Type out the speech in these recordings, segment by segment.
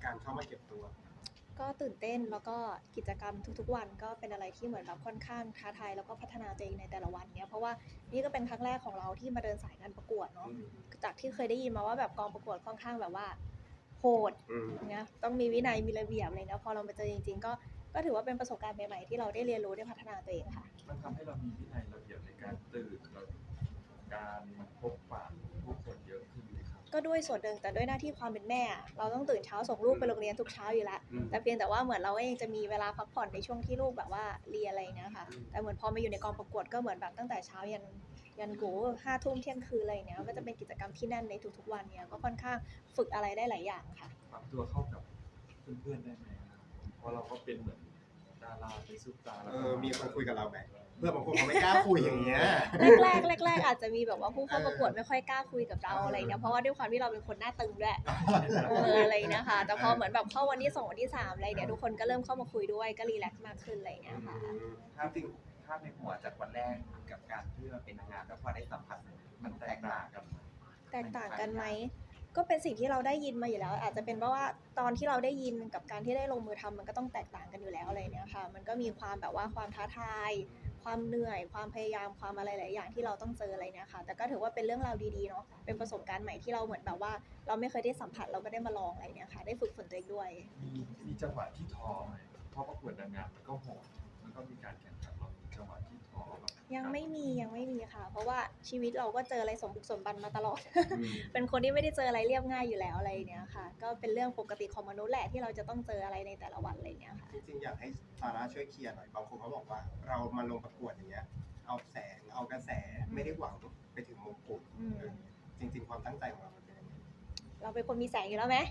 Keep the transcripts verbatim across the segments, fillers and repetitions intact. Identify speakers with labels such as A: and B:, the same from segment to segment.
A: การเข้ามาเก็บตัว
B: ก็ตื่นเต้นแล้วก็กิจกรรมทุกๆวันก็เป็นอะไรที่เหมือนแบบค่อนข้างท้าทายแล้วก็พัฒนาตัวเองในแต่ละวันเนี้ยเพราะว่านี่ก็เป็นครั้งแรกของเราที่มาเดินสายงานประกวดเนาะจากที่เคยได้ยินมาว่าแบบกองประกวดค่อนข้างแบบว่าโหดเนี้ยต้องมีวินัยมีระเบียบอะไรเงี้ยพอเรามาเจอจริงๆก็ก็ถือว่าเป็นประสบการณ์ใหม่ๆที่เราได้เรียนรู้ได้พัฒนาตัวเองค่ะ
C: มันทำให้เรามีวินัยระเบียบในการตื่นเราการพบปะผู้คนเยอะขึ้นเลยครับ
B: ก็ด้วยส่วนหนึ่งแต่ด้วยหน้าที่ความเป็นแม่เราต้องตื่นเช้าส่งลูกไปโรงเรียนทุกเช้าอยู่แล้วแต่เพียงแต่ว่าเหมือนเราเองจะมีเวลาพักผ่อนในช่วงที่ลูกแบบว่าเรียนอะไรเงี้ยค่ะแต่เหมือนพอมาอยู่ในกองประกวดก็เหมือนแบบตั้งแต่เช้ายันยันโหห้าทุ่มเที่ยงคืนอะไรเงี้ยก็จะเป็นกิจกรรมที่แน่นในทุกๆวันเนี้ยก็ค่อนข้างฝึกอะไรได้หลายอย่างค่ะ
C: ปรับตัวเข้ากับเพื่อนๆได้ไหมครับเพราะเราก็เป็นเหมือนดาราเป็นซุปตาร์แล้ว
A: เออมีคนคุยกับเราไหมเพื่อนบางคนเขาไม่กล้าคุยอย่างเงี้ย
B: แรกๆแรกๆอาจจะมีแบบว่าผู้เข้าประกวดไม่ค่อยกล้าคุยกับเราอะไรเงี้ยเพราะว่าด้วยความที่เราเป็นคนหน้าตึงด้วยเอออะไรนะคะแต่พอเหมือนแบบเข้าวันที่สองวันที่สามอะไรเนี่ยทุกคนก็เริ่มเข้ามาคุยด้วยก็รีแลกซ์มากขึ้นอะไรเงี้ยค่ะ
D: ภาพจริงภาพในหัวจากวันแรกกับการที่มาเป็นนางงามแล้วพอได้สัมผัสมันแตกต่างกัน
B: แตกต่างกันไหมก็เป็นสิ่งที่เราได้ยินมาอยู่แล้วอาจจะเป็นเพราะว่าตอนที่เราได้ยินกับการที่ได้ลงมือทำมันก็ต้องแตกต่างกันอยู่แล้วอะไรเนี่ยค่ะมันก็มีความแบบว่าความท้าทายความเหนื่อยความพยายามความอะไรหลายอย่างที่เราต้องเจออะไรเนี่ยค่ะแต่ก็ถือว่าเป็นเรื่องราวดีๆเนาะเป็นประสบการณ์ใหม่ที่เราเหมือนแบบว่าเราไม่เคยได้สัมผัสเราก็ได้มาลองอะไรเนี่ยค่ะได้ฝึกฝนตัวเองด้วย
C: มีมีจังหวะที่ท้อไหมเพราะประกวดนางงามมันก็โหดมันก็มีการแข่งขันเรามีจังหวะที่ท้อแบบ
B: ยังไม่มียังไม่มีค่ะเพราะว่าชีวิตเราก็เจออะไรสมบุกสมบันมาตลอด เป็นคนที่ไม่ได้เจออะไรเรียบง่ายอยู่แล้วอะไรเนี้ยค่ะก็เป็นเรื่องปกติของมนุษย์แหละที่เราจะต้องเจออะไรในแต่ละวันอะไรเนี้ยค่ะ
A: จริงๆอยากให้ซาร่าช่วยเคลียร์หน่อยบางคนเขาบอกว่าเรามาลงประกวดอย่างเงี้ยเอาแสงเอากระแสไม่ได้หวังไปถึงมงกุฎจริงๆความตั้งใจของเราเป็นยังไง
B: เราเป็นคนมีแสงอยู่แล้วไหม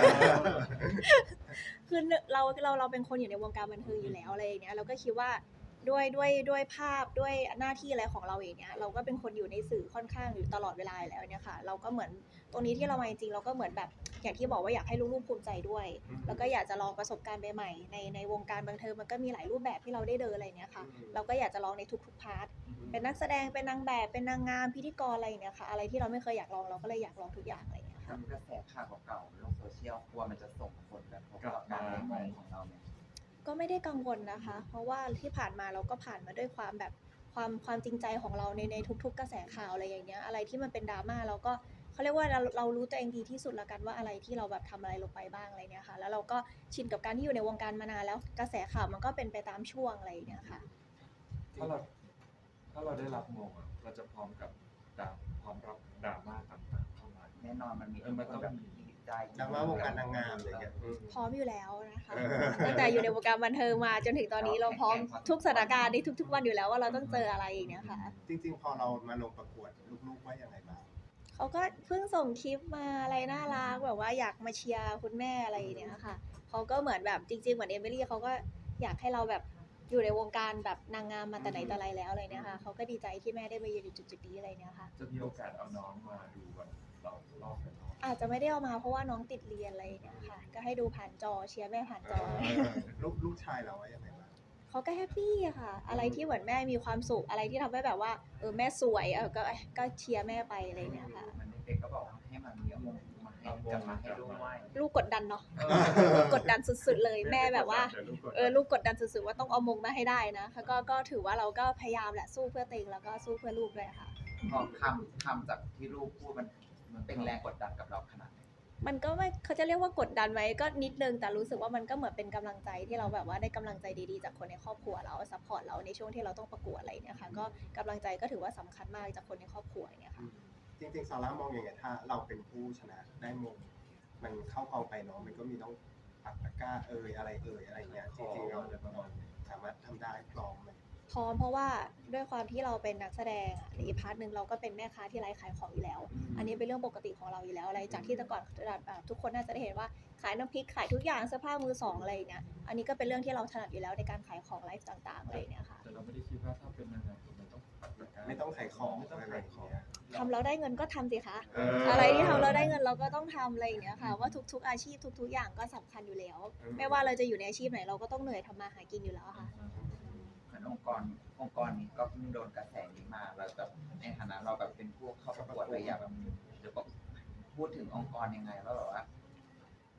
B: คือเราเราเราเป็นคนอยู่ในวงการบันเทิงอยู่แล้วอะไรเนี้ยเราก็คิดว่าด้วยด้วยด้วยภาพด้วยหน้าที่อะไรของเราเองเนี้ยเราก็เป็นคนอยู่ในสื่อค่อนข้างอยู่ตลอดเวลาแล้วเนี่ยค่ะเราก็เหมือนตรงนี้ที่เรามาจริงๆเราก็เหมือนแบบอย่างที่บอกว่าอยากให้ลูกๆภูมิใจด้วยแล้วก็อยากจะลองประสบการณ์ใหม่ๆในในวงการบันเทิงมันก็มีหลายรูปแบบที่เราได้เดินอะไรเนี้ยค่ะเราก็อยากจะลองในทุกๆพาร์ทเป็นนักแสดงเป็นนางแบบเป็นนางงามพิธีกรอะไรเนี้ยค่ะอะไรที่เราไม่เคยอยากลองเราก็เลยอยากลองทุกอย่างอะไรเนี้ยค่ะ
D: กระแสข่าวเก่าๆในโลกโซเชียลกลัวมันจะส่งผลกระทบกับการเล่นของเราเนี่ย
B: ก็ไม่ได้กังวลนะคะ เพราะว่าที่ผ่านมาเราก็ผ่านมาด้วยความแบบความความจริงใจของเราในในทุกๆกระแสข่าวอะไรอย่างเงี้ยอะไรที่มันเป็นดราม่าเราก็เขาเรียกว่าเราเรารู้ตัวเองดีที่สุดละกันว่าอะไรที่เราแบบทำอะไรลงไปบ้างอะไรเนี้ยค่ะแล้วเราก็ชินกับการที่อยู่ในวงการมานานแล้วกระแสข่าวมันก็เป็นไปตามช่วงอะไรอย่างเงี้ยค่ะ
C: ถ้าเราถ้าเราได้รับมงอะเราจะพร้อมกับดราพร้อมรับดราม่าต่างๆเข้ามา
D: แน่นอนมันมี
C: มันต้องมี
D: ใจ
A: ดราม่าวงการนางงามอะไรเงี้ย
B: พร้อมอยู่แล้วนะคะตั้งแต่อยู่ในวงการบันเทิงมาจนถึงตอนนี้เราพร้อมทุกสถานการณ์ในทุกๆวันอยู่แล้วว่าเราต้องเจออะไรอย่างเงี้ยค่ะ
A: จริงๆพอเรามาลงประกวดลูกๆว่ายังไงบ้าง
B: เขาก็เพิ่งส่งคลิปมาอะไรน่ารักแบบว่าอยากมาเชียร์คุณแม่อะไรอย่างเงี้ยค่ะเขาก็เหมือนแบบจริงๆเหมือนเอมิลี่เขาก็อยากให้เราแบบอยู่ในวงการแบบนางงามมาแต่ไหนแต่ไรแล้วอะไรเนี่ยค่ะเขาก็ดีใจที่แม่ได้มายืนอยู่จุดๆนี้อะไรเนี่ยค่ะ
C: จะมีโอกาสเอาน้องมาดูวันเรารอบกัน
B: อาจจะไม่ได้เอามาเพราะว่าน้องติดเรียนอะไรอย่างเงี้ยค่ะก็ให้ดูผ่านจอเชียร์แม่ผ่านจอ
A: ลูกลูกชายเราว่ายังไงบ้าง
B: เขาก็แฮปปี้อะค่ะอะไรที่เหมือนแม่มีความสุขอะไรที่ทำให้แบบว่าเออแม่สวยเออก็ก็เชียร์แม่ไปอะไรเงี้ยค่ะ
D: มันเด็กก็บอกให้มันมีอมงมาให้กันมาให้ลูกไหว้
B: ลูกกดดันเนาะกดดันสุดๆเลยแม่แบบว่าเออลูกกดดันสุดๆว่าต้องเอามงมาให้ได้นะก็ก็ถือว่าเราก็พยายามแหละสู้เพื่อตัวเองแล้วก็สู้เพื่อลูกด้วยค่ะ
D: พอคำคำจากที่ลูกพูดมันมันเป็นแรงกดดันกับเราขนาดไหน
B: มันก็ไม่เขาจะเรียกว่ากดดันไหมก็นิดนึงแต่รู้สึกว่ามันก็เหมือนเป็นกำลังใจที่เราแบบว่าได้กำลังใจดีๆจากคนในครอบครัวเราซัพพอร์ตเราในช่วงที่เราต้องประกวดอะไรเนี่ยค่ะก็กำลังใจก็ถือว่าสำคัญมากจากคนในครอบครัวเนี่ยค่ะ
A: จริงๆซาร่ามองยังไงถ้าเราเป็นผู้ชนะได้มงมันเข้ากองไปเนาะมันก็มีต้องปักตะกร้าเอ่ยอะไรเอ่ยอะไรเงี้ยจริงๆเราสามารถทำได้พร้อมไหม
B: พร้อมเพราะว่าด้วยความที่เราเป็นนักแสดงในอีกพาร์ทหนึ่งเราก็เป็นแม่ค้าที่ไลฟ์ขายของอยู่แล้วอันนี้เป็นเรื่องปกติของเราอยู่แล้วอะไรจากที่แต่ก่อนทุกคนน่าจะได้เห็นว่าขายน้ำพริกขายทุกอย่างเสื้อผ้ามือสองอะไรเนี่ยอันนี้ก็เป็นเรื่องที่เราถนัดอยู่แล้วในการขายของไลฟ์ต่างๆอะไรเนี่ยค่ะ
C: แต่เราไม่ได้คิดว่าถ้าเป็นนางงามมันต้องปักตะกร้า
A: ไม่ต้องขายของ
C: ไม่ต้องขายของ
B: ทำเราได้เงินก็ทำสิคะอะไรที่ทำเราได้เงินเราก็ต้องทำอะไรอย่างเงี้ยค่ะว่าทุกๆอาชีพทุกๆอย่างก็สำคัญอยู่แล้วไม่ว่าเราจะอยู่ในอาชีพไหนเราก็ต้องเหนื่อยทำมาหากินอยู่แล้วค่ะ
D: เหมือนองค์กรองค์กรนี้ก็เพิ่งโดนกระแสนี้มาเราแบบในฐานะเราแบบเป็นผู้เข้าประกวดอะไรอย่างแบบจะบอกพูดถึงองค์กรยังไงว่าแบบว่าเรา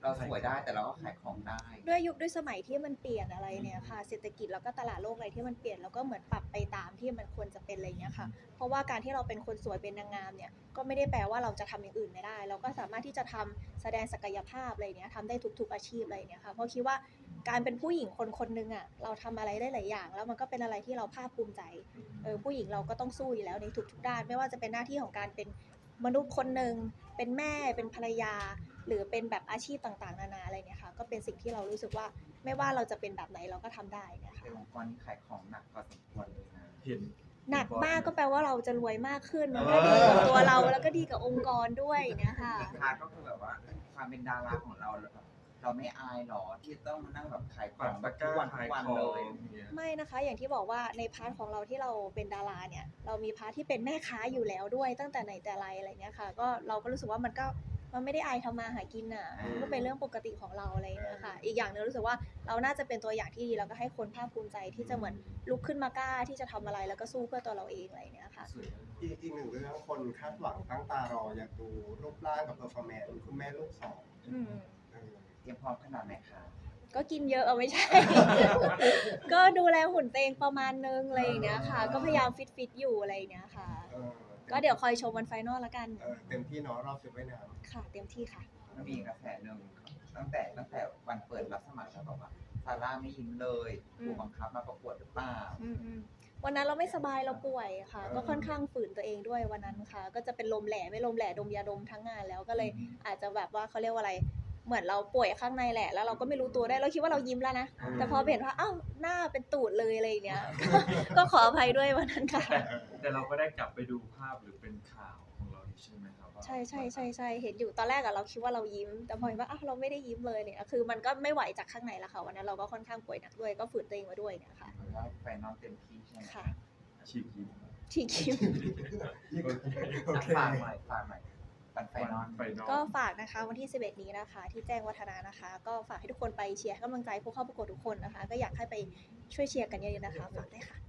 D: เราสวยได้แต่เราก็ขายของได้
B: ด้วยยุคด้วยสมัยที่มันเปลี่ยนอะไรเนี่ยค่ะเศรษฐกิจแล้วก็ตลาดโลกอะไรที่มันเปลี่ยนแล้วก็เหมือนปรับไปตามที่มันควรจะเป็นอะไรเงี้ยค่ะเพราะว่าการที่เราเป็นคนสวยเป็นนางงามเนี่ยก็ไม่ได้แปลว่าเราจะทำอย่างอื่นไม่ได้ เราก็สามารถที่จะทำแสดงศักยภาพอะไรเนี้ยทำได้ทุกๆอาชีพอะไรเนี้ยค่ะเพราะคิดว่าการเป็นผู้หญิงคนคนนึงอ่ะเราทำอะไรได้หลายอย่าง แล้วมันก็เป็นอะไรที่เราภาคภูมิใจเออผู้หญิงเราก็ต้องสู้อยู่แล้วในทุกๆด้านไม่ว่าจะเป็นหน้าที่ของการเป็นมนุษย์คนหนึ่งเป็นแม่เป็นภรรยา หรือเป็นแบบอาชีพต่างๆนานาอะไรเนี่ยค่ะก็เป็นสิ่งที่เรารู้สึกว่าไม่ว่าเราจะเป็นแบบไหนเราก็ทำได้เนะคะ
D: ในองค์กรนี้ขายของหนักพอสมควรเลยนะ
C: เห็น
B: หนักมากก็แปลว่าเราจะรวยมากขึ้นมันก็ดีกับตัวเราแล้วก็ดีกับองค์กรด้วยเนี่ยค่ะ
D: อีกพาร์ทก็คือแบบว่าความเป็นดาราของเราแบบเราไม่อายหรอที่ต้องมานั่งแบบขายข
C: ปั
D: อง
C: ก
D: แบ
C: ตะ
D: บ
C: ก
D: ทุก
C: ร้า
D: วันทุ
C: ขาย
D: กวัน
C: ขอ
D: เล
C: ง
D: ย
C: เนี่ย
B: ไม่นะคะอย่างที่บอกว่าในพาร์ทของเราที่เราเป็นดาราเนี่ยเรามีพาร์ทที่เป็นแม่ค้าอยู่แล้วด้วยตั้งแต่ไหนแต่ไรอะไรเงี้ยค่ะก็เราก็รู้สึกว่ามันก็มันไม่ได้อายทำมาหากินอ่ะมันก็เป็นเรื่องปกติของเราอะไรเงี้ยค่ะอีกอย่างหนึงรู้สึกว่าเราน่าจะเป็นตัวอย่างที่ดีแล้วก็ให้คนภาคภูมิใจที่จะเหมือนลุกขึ้นมากล้าที่จะทำอะไรแล้วก็สู้เพื่อตัวเราเองอะไรเงี้ยค่ะ
C: สวย
A: อีกอีกหนึ่งเรื่องคนคาดหวังตั้งตารออยากดูรูปร่างกับเพอร์ฟอร์แมนซ์คุณแม่ลูกสอง
B: อืม
A: เออ
D: เตรียมพร้อมขนาดไหนคะ
B: ก็กินเยอะเอาไม่ใช่ ก็ดูแลหุ่นตัวเองประมาณนึงอะไรอย่างเงี้ยค่ะ ก็พยายามฟิตฟิตๆอยู่อะไรอย่างเงี้ยค่ะ
A: เออ
B: ก็เดี๋ยวคอยชมวันไฟนอลละกัน
A: เออเต็มที่เนาะรอบชุดว่ายน้
B: ค่ะ เต็มที่ค่ะ
D: มันมีกระแสหนึ่งตั้งแต่ตั้งแต่วันเปิดรับสมัครแล้วบอกว่าซาร่าไม่ยิ้มเลย
B: อืม
D: ถูกบังคับมาประกวดหรือเปล่า
B: อืมๆวันนั้นเราไม่สบายเราป่วยค่ะ ก็ค่อนข้างฝืนตัวเองด้วยวันนั้นค่ะ ก็จะเป็นลมแหล่ไม่ลมแหล่ดมยาดมทั้งงานแล้วก็เลยอาจจะแบบว่าเขาเรียกว่าอะไร เหมือนเราป่วยข้างในแหละ แล้วเราก็ไม่รู้ตัวได้เราคิดว่าเรายิ้มแล้วนะ แต่พอเห็นว่าอ้าวหน้าเป็นตูดเลยอะไรอย่างเงี้ย ก็ขออภัยด้วยวันนั้นค่ะ
C: แต่แต่เราก็ได้กลับไปดูภาพหรือเป็นข่าวของเราใช่ไหมครับว่า
B: ใช่ใช่ใช่ใช่เห็นอยู่ตอนแรกอะเราคิดว่าเรายิ้ม แต่พอเห็นว่าอ้าวเราไม่ได้ยิ้มเลยเนี่ยคือมันก็ไม่ไหวจากข้างในแล้วค่ะวันนั้นเราก็ค่อนข้างป่วยหนักด้วยก็ฝืนตัวเองมาด้วยเนี่ยค่ะ
D: เพราะว่าแฟนน้องเต็มที่ใช่ไหม
B: ค่ะ
C: ฉีกยิ้ม
B: ที่คิม
A: ำโอเค
D: ฝากหน่อยฝากหน่อยปันไฟนอน
C: ไฟนอล
B: ก็ฝากนะคะวันที่สิบเอ็ดนี้นะคะ ที่แจ้งวัฒนานะคะ ก็ฝากให้ทุกคนไปเชียร์ให้กำลังใจผู้เข้าประกวดทุกคนนะคะ ก็อยากให้ไปช่วยเชียร์กันเยอะๆนะคะฝากด้วยค่ะ